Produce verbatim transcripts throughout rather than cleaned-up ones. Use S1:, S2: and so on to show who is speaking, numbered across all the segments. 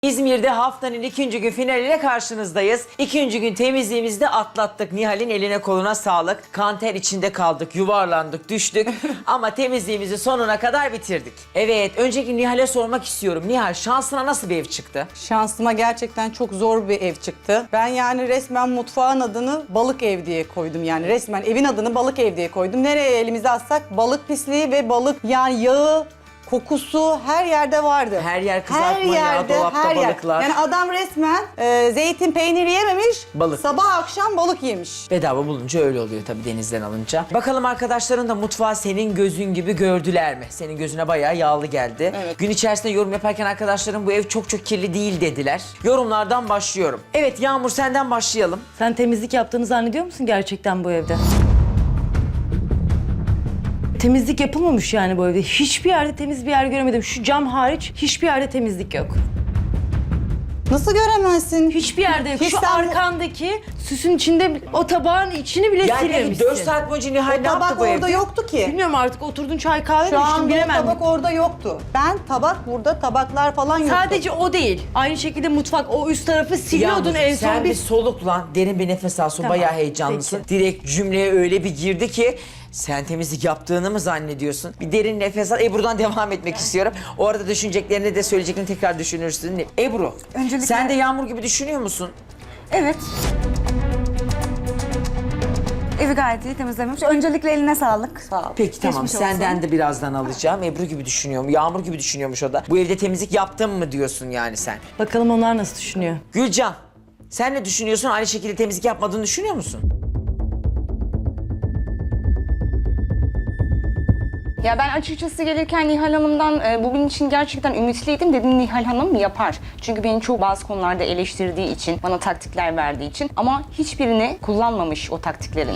S1: İzmir'de haftanın ikinci gün finaliyle karşınızdayız. İkinci gün temizliğimizi de atlattık. Nihal'in eline koluna sağlık. Kanter içinde kaldık, yuvarlandık, düştük. Ama temizliğimizi sonuna kadar bitirdik. Evet, önceki Nihal'e sormak istiyorum. Nihal, şansına nasıl bir ev çıktı?
S2: Şansıma gerçekten çok zor bir ev çıktı. Ben yani resmen mutfağın adını balık ev diye koydum. Yani resmen evin adını balık ev diye koydum. Nereye elimizi atsak balık pisliği ve balık yani yağı, kokusu her yerde vardı.
S1: Her yer kızartma yağı, dolapta
S2: her yer.
S1: balıklar.
S2: Yani adam resmen e, zeytin peyniri yememiş,
S1: Balık.
S2: sabah akşam balık yemiş.
S1: Bedava bulunca öyle oluyor tabii denizden alınca. Bakalım arkadaşların da mutfağı senin gözün gibi gördüler mi? Senin gözüne bayağı yağlı geldi.
S2: Evet.
S1: Gün içerisinde yorum yaparken arkadaşlarım bu ev çok çok kirli değil dediler. Yorumlardan başlıyorum. Evet Yağmur, senden başlayalım.
S3: Sen temizlik yaptığını zannediyor musun gerçekten bu evde? Temizlik yapılmamış yani bu evde. Hiçbir yerde temiz bir yer göremedim. Şu cam hariç hiçbir yerde temizlik yok.
S2: Nasıl göremezsin?
S3: Hiçbir yerde yok.
S2: Hiç
S3: Şu
S2: sen bu-
S3: arkandaki süsün içinde o tabağın içini bile
S1: Yani peki
S3: silmemişsin.
S1: dört saat boyunca Nihal
S2: O
S1: ne yaptı
S2: tabak
S1: bu
S2: orada
S1: evde?
S2: yoktu ki.
S3: Bilmiyorum artık oturdun çay kahve mi
S2: Şu
S3: içtin
S2: an bu
S3: bilemem.
S2: tabak orada yoktu. Ben tabak burada, tabaklar falan yoktu.
S3: Sadece o değil. Aynı şekilde mutfak o üst tarafı siliyordun
S1: Yalnız
S3: en
S1: sen
S3: son
S1: bir
S3: bir...
S1: soluk lan, derin bir nefes al, su
S3: Tamam,
S1: bayağı heyecanlısın.
S3: peki.
S1: Direkt cümleye öyle bir girdi ki sen temizlik yaptığını mı zannediyorsun? Bir derin nefes al. Ebru'dan devam etmek istiyorum. O arada düşüneceklerini de söyleyeceklerini tekrar düşünürsün. Ebru,
S4: Öncelikle-
S1: sen de Yağmur gibi düşünüyor musun?
S4: Evet. Evi gayet iyi temizlemiş. Öncelikle eline sağlık.
S2: Sağ ol.
S1: Peki tamam,
S4: Geçmiş olsun.
S1: senden de birazdan alacağım. Ebru gibi düşünüyorum, Yağmur gibi düşünüyormuş o da. Bu evde temizlik yaptın mı diyorsun yani sen?
S3: Bakalım onlar nasıl düşünüyor.
S1: Gülcan, sen ne düşünüyorsun? Aynı şekilde temizlik yapmadığını düşünüyor musun?
S5: Ya ben açıkçası gelirken Nihal Hanım'dan e, bugün için gerçekten ümitliydim. Dedim Nihal Hanım yapar. Çünkü beni çok bazı konularda eleştirdiği için, bana taktikler verdiği için. Ama hiçbirini kullanmamış o taktiklerin.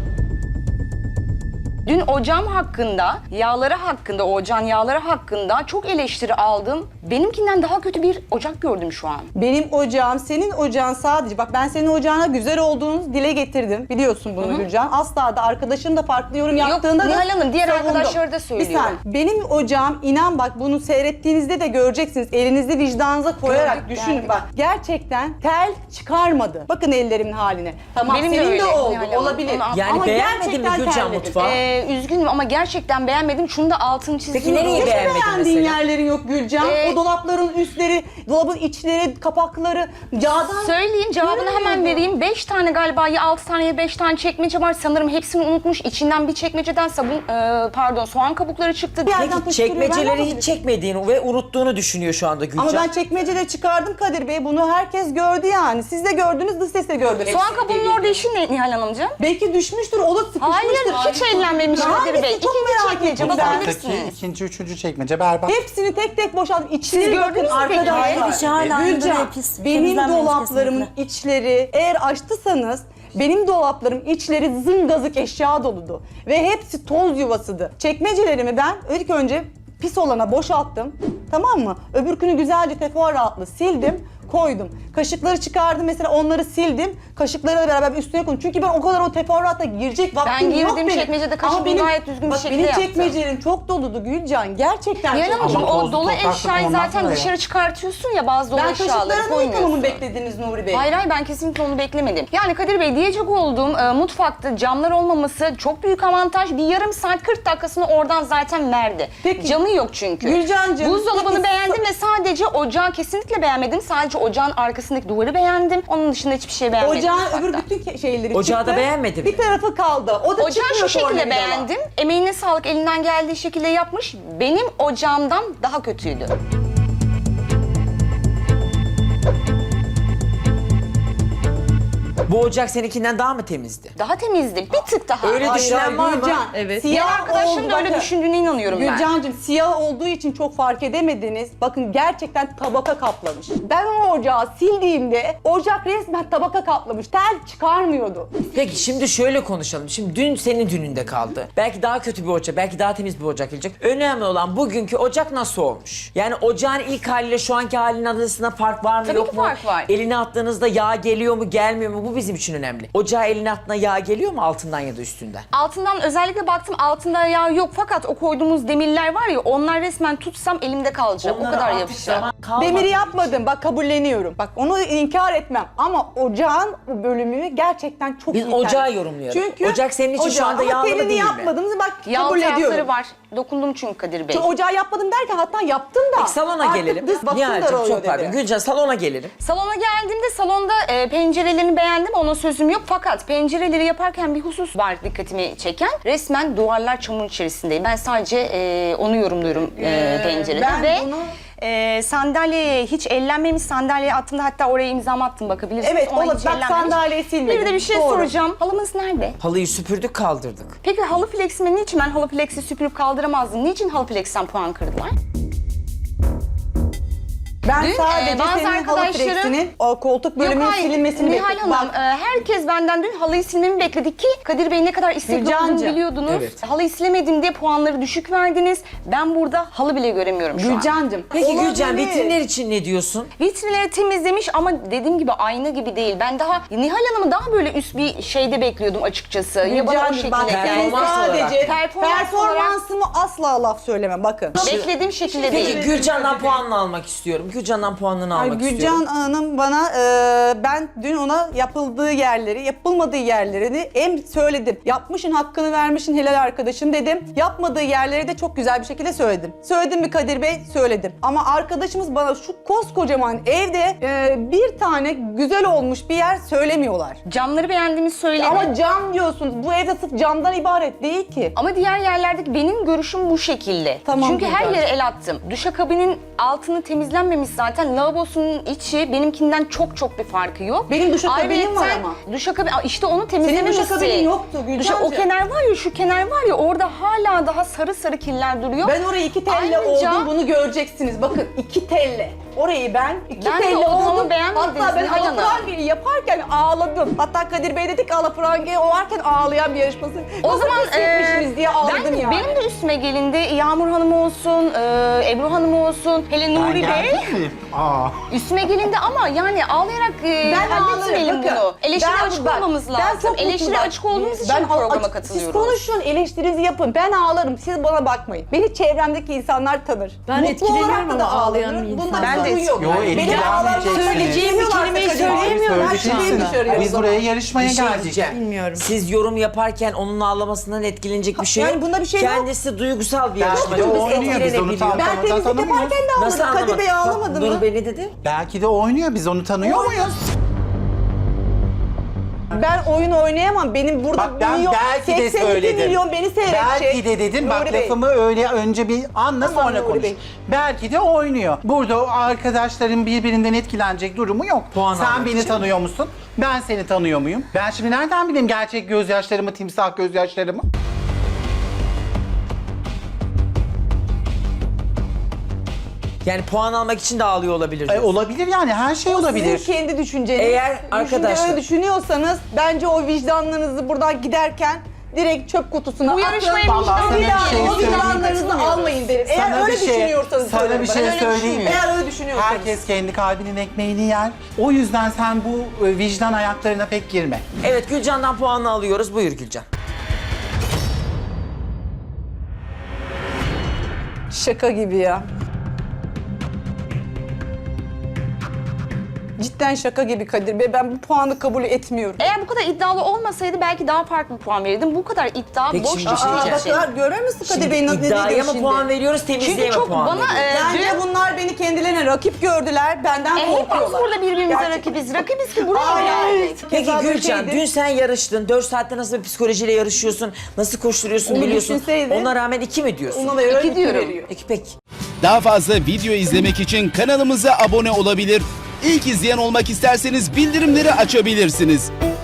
S5: Dün ocağım hakkında, yağları hakkında, o ocağın yağları hakkında çok eleştiri aldım. Benimkinden daha kötü bir ocak gördüm şu an.
S2: Benim ocağım, senin ocağın sadece... Bak ben senin ocağına güzel olduğunu dile getirdim. Biliyorsun bunu Gülcan. Asla da arkadaşın da farklı yorum yaptığında da
S5: Nihal Hanım, diğer
S2: savundum.
S5: arkadaşları da
S2: Bir
S5: söylüyor.
S2: saniye. Benim ocağım, inan bak bunu seyrettiğinizde de göreceksiniz. Elinizi vicdanınıza koyarak
S5: Gördük,
S2: düşünün.
S5: geldik.
S2: Bak gerçekten tel çıkarmadı. Bakın ellerimin haline. Tamam
S5: Benim de
S2: senin de,
S5: öyle,
S2: oldu.
S5: Nihal Hanım.
S2: Olabilir.
S5: Onu-
S1: Yani
S2: Ama
S1: beğenmedin mi
S2: gerçekten
S1: Gülcan
S2: terledim.
S1: mutfağı?
S5: Ee, üzgünüm ama gerçekten beğenmedim. Şunu da altını çizdim.
S1: Peki nereyi
S2: Hiç mi
S1: beğenmedin
S2: beğendiğin
S1: mesela?
S2: yerlerin yok Gülcan?
S5: Ee,
S2: o dolapların üstleri, dolabın içleri, kapakları, yağdan...
S5: Söyleyeyim, cevabını hemen
S2: Görmüyorum.
S5: vereyim. Beş tane galiba, ya altı tane ya beş tane çekmece var. Sanırım hepsini unutmuş. İçinden bir çekmeceden sabun, e, pardon soğan kabukları çıktı.
S2: Bir yerden
S1: Peki
S2: fışkırıyor, ben
S1: çekmeceleri
S2: yapabilirim.
S1: hiç çekmediğini ve unuttuğunu düşünüyor şu anda Gülcan.
S2: Ama ben çekmeceleri çıkardım Kadir Bey. Bunu herkes gördü yani. Siz de gördünüz, dış ses de gördü.
S5: Soğan kabuğunun orada işi ne Nihal Hanımcığım?
S2: Belki düşmüştür, o da sıkışmıştır.
S5: Hayır, hiç ellenmemiş Kadir Bey.
S2: Hangisi? Çok
S5: İkinci
S2: merak
S5: çekmece
S2: ettim ben.
S5: bakabilirsiniz.
S6: Alttaki ikinci, üçüncü çekmece berbat.
S2: Hepsini tek tek boşalttım. İçleri
S5: Siz
S2: bakın
S5: gördünüz mü peki?
S2: arkadaşlar.
S4: Hayır, dışı hala aynı
S2: Gülcan,
S4: duruyor, pis.
S2: benim
S4: Temizlenmemiş
S2: dolaplarımın
S4: kesinlikle.
S2: içleri eğer açtıysanız benim dolaplarım içleri zıngazık eşya doludu. Ve hepsi toz yuvasıydı. Çekmecelerimi ben ilk önce pis olana boşalttım. Tamam mı? Öbürkünü güzelce teferruatlı sildim, koydum. Kaşıkları çıkardım mesela, onları sildim. Kaşıklarla beraber üstüne koydum. Çünkü ben o kadar o teferruatla girecek vaktim yok
S5: girdiğim
S2: benim.
S5: çekmecede kaşığı
S2: Ama benim-
S5: gayet düzgün bir
S2: bak
S5: şekilde
S2: benim
S5: yaptım.
S2: çekmecelerim çok doludu Gülcan. Gerçekten
S5: Nihal
S2: çok
S5: Hanımcığım,
S6: Ama
S5: o
S6: tozlu
S5: dolu
S6: topraklı
S5: eşyayı
S6: olmaz
S5: zaten
S6: mı ya?
S5: dışarı çıkartıyorsun ya, bazı dolu
S2: Ben
S5: eşyaları
S2: kaşıkların
S5: koymuyorsun.
S2: yıkamamı mı beklediniz Nuri Bey?
S5: Hayır hayır, ben kesinlikle onu beklemedim. Yani Kadir Bey, diyecek olduğum e, mutfakta camlar olmaması çok büyük avantaj. Bir yarım saat kırk dakikasını oradan zaten verdi.
S2: Peki.
S5: Camı yok çünkü.
S2: Gülcancığım,
S5: Buzdolabını
S2: peki-
S5: beğendim ve sadece ocağı kesinlikle beğenmedim. Sadece ocağın arkasındaki duvarı beğendim. Onun dışında hiçbir şey beğenmedim.
S2: Ocağın
S5: mutfakta.
S2: öbür bütün ke- şeyleri
S1: Ocağı
S2: çıktı.
S1: da beğenmedin mi?
S2: Bir tarafı kaldı. O da
S5: Ocağı
S2: çıkmıyor
S5: şu şekilde
S2: tornavidalar.
S5: beğendim. Emeğine sağlık, elinden geldiği şekilde yapmış. Benim ocağımdan daha kötüydü.
S1: Bu ocak seninkinden daha mı temizdi?
S5: Daha temizdi. Bir tık daha.
S1: Öyle
S2: Hayır,
S1: düşünen
S2: hayır,
S1: var mı?
S2: Gülcan,
S3: Evet.
S5: Diğer
S2: Siyah
S5: arkadaşlarım
S2: oldu,
S5: da öyle
S2: bakın.
S5: düşündüğüne inanıyorum ben.
S2: Gülcancığım, siyah olduğu için çok fark edemediniz. Bakın gerçekten tabaka kaplamış. Ben o ocağı sildiğimde ocak resmen tabaka kaplamış. Tel çıkarmıyordu.
S1: Peki şimdi şöyle konuşalım. Şimdi dün senin dününde kaldı. Belki daha kötü bir ocak, belki daha temiz bir ocak gelecek. Önemli olan bugünkü ocak nasıl olmuş? Yani ocağın ilk haliyle şu anki halinin arasında fark var mı
S5: Tabii
S1: yok
S5: ki
S1: mu?
S5: fark var.
S1: Eline attığınızda yağ geliyor mu gelmiyor mu? Bu bir bizim için önemli. Ocağa elin altına yağ geliyor mu altından ya da üstünden?
S5: Altından özellikle baktım, altında yağ yok fakat o koyduğumuz demirler var ya, onlar resmen tutsam elimde kalacak.
S1: Onları
S5: o kadar
S1: artık
S5: yapışacak.
S1: zaman kalmadığı
S2: Demiri
S1: için-
S2: yapmadım. Bak kabulleniyorum. Bak onu inkar etmem. Ama ocağın bölümünü gerçekten çok
S1: Biz
S2: iyi
S1: ocağı
S2: tercih-
S1: yorumluyoruz.
S2: Çünkü
S1: Ocak senin için şu anda
S2: ama
S1: yağlı mı
S2: telini
S1: değil mi?
S2: yapmadınız bak
S5: Yağ
S2: kabul
S5: tarafları
S2: ediyorum.
S5: var. Dokundum çünkü Kadir Bey.
S2: Çünkü ocağı yapmadım derken hatta yaptım da.
S1: Peki salona
S2: Artık
S1: gelelim.
S2: dış basın
S1: Nihal'cim
S2: daralıyor
S1: çok pardon.
S2: dedi.
S1: Gülcan salona gelelim.
S5: Salona geldiğimde salonda e, pencerelerini beğendim, ona sözüm yok. Fakat pencereleri yaparken bir husus var dikkatimi çeken. Resmen duvarlar çamur içerisindeyim. Ben sadece e, onu yorumluyorum e,
S2: Ee,
S5: pencerede.
S2: ben
S5: Ve
S2: bunu-
S5: e, sandalyeye hiç ellenmemiş, sandalyeye attığımda hatta oraya imzamı attım, bakabilirsiniz.
S2: Evet,
S5: Ona
S2: ola-
S5: hiç
S2: bak
S5: ellenmemiş.
S2: sandalyeyi silmedim.
S5: Bir de bir şey
S2: Doğru.
S5: soracağım. Halımız nerede?
S1: Halıyı süpürdük kaldırdık.
S5: Peki halı fleksime niçin ben halı fleksi süpürüp kaldıramazdım? Niçin halı fleksten puan kırdılar?
S2: Ben
S5: Dün,
S2: sadece
S5: e, bazı
S2: senin halı
S5: arkadaşlarım-
S2: fleksinin o koltuk bölümünün
S5: Yok, hayır.
S2: silinmesini
S5: Nihal
S2: bekledim.
S5: Hanım,
S2: Bak,
S5: e, herkes benden dün halıyı silmemi bekledi ki Kadir Bey ne kadar istekli olduğunu
S2: Gülcancığım,
S5: biliyordunuz.
S1: evet.
S5: Halıyı silemedim diye puanları düşük verdiniz. Ben burada halı bile göremiyorum şu an.
S2: Gülcancığım.
S1: Peki Gülcan
S2: olabilir.
S1: vitrinler için ne diyorsun?
S5: Vitrinleri temizlemiş ama dediğim gibi ayna gibi değil. Ben daha Nihal Hanım'ı daha böyle üst bir şeyde bekliyordum açıkçası. Ya bana o
S2: Gülcancığım
S5: şekilde
S2: bak
S5: geldi.
S1: Performans
S2: sadece
S1: olarak.
S5: Performans
S2: performansımı asla laf söyleme bakın.
S5: Beklediğim şekilde
S1: Peki
S5: değil.
S1: Gülcan'dan puanını almak istiyorum. Gülcan'dan puanını
S2: Ay,
S1: almak
S2: Gülcan
S1: istiyorum.
S2: Hanım bana e, ben dün ona yapıldığı yerleri, yapılmadığı yerlerini hem söyledim. Yapmışın hakkını vermişin helal arkadaşım dedim. Yapmadığı yerleri de çok güzel bir şekilde söyledim. Söyledim mi Kadir Bey? Söyledim. Ama arkadaşımız bana şu koskocaman evde e, bir tane güzel olmuş bir yer söylemiyorlar.
S5: Camları beğendiğimi söyledim. Ama,
S2: Ama cam diyorsunuz. Bu evde sırf camdan ibaret değil ki.
S5: diğer yerlerdeki benim görüşüm bu şekilde.
S2: Tamam,
S5: Çünkü her
S2: Gülcan.
S5: yere el attım. Duşakabinin altını temizlenmemiş zaten. Lavabosunun içi benimkinden çok çok bir farkı yok.
S2: Benim duşakabinim var
S5: Ayrıyeten
S2: ama.
S5: Duşakabin, Aa, işte onu temizlememişsin.
S2: duşakabinin yoktu Gülcancığım.
S5: Duşa- O kenar var ya, şu kenar var ya, orada hala daha sarı sarı kirler duruyor.
S2: Ben orayı iki telle
S5: Ayrıca-
S2: oldum, bunu göreceksiniz. Bakın iki telle. Orayı ben iki
S5: Ben de
S2: telle
S5: oldum ama
S2: oldum.
S5: beğenmediniz
S2: Hatta ben
S5: Nihal Hanım.
S2: alafrangeyi yaparken ağladım. Hatta Kadir Bey dedi ki alafrangeyi o varken ağlayan bir yarışması.
S5: O
S2: Nasıl
S5: zaman
S2: pis etmişsiniz
S5: e,
S2: diye ağladım
S5: ben,
S2: yani.
S5: benim de üstüme gelindi. Yağmur Hanım olsun, e, Ebru Hanım olsun, hele
S6: Ben
S5: Nuri Bey.
S6: geldim mi? Aa.
S5: Üstüme gelindi ama yani ağlayarak e,
S2: Ben
S5: halletmeyelim
S2: ağlarım, bakın.
S5: bunu. Eleştiri
S2: Ben-
S5: açık
S2: bak,
S5: olmamız
S2: ben
S5: lazım.
S2: çok
S5: Eleştiri
S2: mutluyum.
S5: açık olduğumuz için
S2: Ben
S5: programa
S2: açık-
S5: katılıyoruz.
S2: Siz konuşun, eleştirinizi yapın. Ben ağlarım, siz bana bakmayın. Beni çevremdeki insanlar tanır.
S3: Ben
S2: Mutlu
S3: etkileniyorum
S2: olarak da
S3: ama ağlayan
S2: ağlarım.
S3: bir
S2: Bunda
S3: insan.
S2: bir
S5: Ben de
S2: sorun yok.
S6: Yo,
S2: Beni
S6: etkilenmeyeceksiniz.
S2: ağlamak
S3: Söyleyeceğim bir kelimeyi söyleyemiyorum
S2: Her
S3: şu
S2: şeyi
S3: anda.
S2: dışarıya o
S6: Biz
S2: zaman.
S6: buraya yarışmaya
S1: Bir şey
S6: geldik.
S1: diyeceğim.
S3: Bilmiyorum.
S1: Siz yorum yaparken onun ağlamasından etkilenecek bir şey
S2: yani
S1: yok.
S2: bunda bir şey yok.
S1: Kendisi duygusal bir
S6: Belki
S1: yarışmacı.
S6: de
S1: Biz
S6: oynuyor, biz onu
S1: etkilenebiliyor.
S6: tam-
S2: Ben
S6: Tamam,
S2: temizlik
S6: tanımıyoruz.
S2: yaparken de
S1: Nasıl
S2: ağladım. Kadir Bey
S1: anlamadın?
S2: ağlamadı
S1: Bak,
S2: mı?
S1: Nur Bey ne dedi?
S6: Belki de oynuyor. Biz onu tanıyor muyuz?
S2: Ben oyun oynayamam. Benim burada
S6: Bak ben
S2: milyon,
S6: belki de
S2: seksen iki
S6: söyledim.
S2: milyon beni seyredecek.
S6: Belki de dedim. Bak
S2: Nuri Bey.
S6: lafımı öyle önce bir anla
S2: Tamam,
S6: sonra
S2: Nuri
S6: konuş.
S2: Bey.
S6: Belki de oynuyor. Burada o arkadaşların birbirinden etkilenecek durumu yok.
S1: Puan
S6: Sen
S1: almak
S6: beni
S1: için.
S6: tanıyor musun? Ben seni tanıyor muyum? Ben şimdi nereden bileyim gerçek gözyaşlarımı, timsah gözyaşlarımı?
S1: Yani puan almak için de ağlıyor olabilir.
S6: E,
S1: diyorsun.
S6: olabilir yani her şey olabilir.
S2: Sizin kendi düşünceniz.
S1: Eğer
S2: Düşünce
S1: arkadaşlar-
S2: öyle düşünüyorsanız bence o vicdanlarınızı buradan giderken direkt çöp kutusuna
S5: Bu yarışmaya
S2: atın.
S6: Vallahi sana
S2: Bir
S6: bir
S2: daha
S6: şey
S2: o
S6: söyleyeyim.
S2: vicdanlarınızı almayın derim. Eğer
S6: Sana
S2: öyle
S6: bir şey-
S2: düşünüyorsanız
S6: sana
S2: söyleyin
S6: bir
S2: bana.
S6: şey
S2: Ben öyle
S6: söyleyeyim mi?
S2: düşünmüyorum. Eğer öyle düşünüyorsanız.
S6: Herkes kendi kalbinin ekmeğini yer. O yüzden sen bu e, vicdan ayaklarına pek girme.
S1: Evet Gülcan'dan puanını alıyoruz. Buyur Gülcan.
S2: Şaka gibi ya. Cidden şaka gibi Kadir Bey. Ben bu puanı kabul etmiyorum.
S5: Eğer bu kadar iddialı olmasaydı belki daha farklı bir puan verirdim. Bu kadar iddia
S1: Peki
S5: boş
S1: şimdi
S5: bir şey.
S1: şey
S2: Aa,
S1: diyeceğim.
S2: bak görüyor musun Kadir
S1: Şimdi
S2: Bey ne
S1: iddiaya
S2: diyor
S1: mı
S2: şimdi?
S1: puan veriyoruz, temizliğe
S5: Çünkü
S1: mi
S5: çok
S1: puan
S5: bana
S1: veriyoruz?
S5: e,
S2: Bence
S5: dün-
S2: bunlar beni kendilerine rakip gördüler. Benden
S5: E, hepimiz
S2: korkuyorlar.
S5: burada birbirimize
S2: Gerçekten.
S5: rakibiz. Rakibiz ki buraya
S2: Ay,
S5: geldik.
S1: Peki
S2: Keza böyle
S1: Gülcan,
S2: şeydi.
S1: dün sen yarıştın. dört saatte nasıl bir psikolojiyle yarışıyorsun, nasıl koşturuyorsun
S2: Onu
S1: biliyorsun.
S2: düşünseydin.
S1: Ona rağmen iki mi diyorsun?
S2: Ona da öyle
S5: İki
S2: iki
S5: diyorum.
S2: veriyor.
S1: Peki peki.
S7: Daha fazla video izlemek için kanalımıza abone olabilir. İlk izleyen olmak isterseniz bildirimleri açabilirsiniz.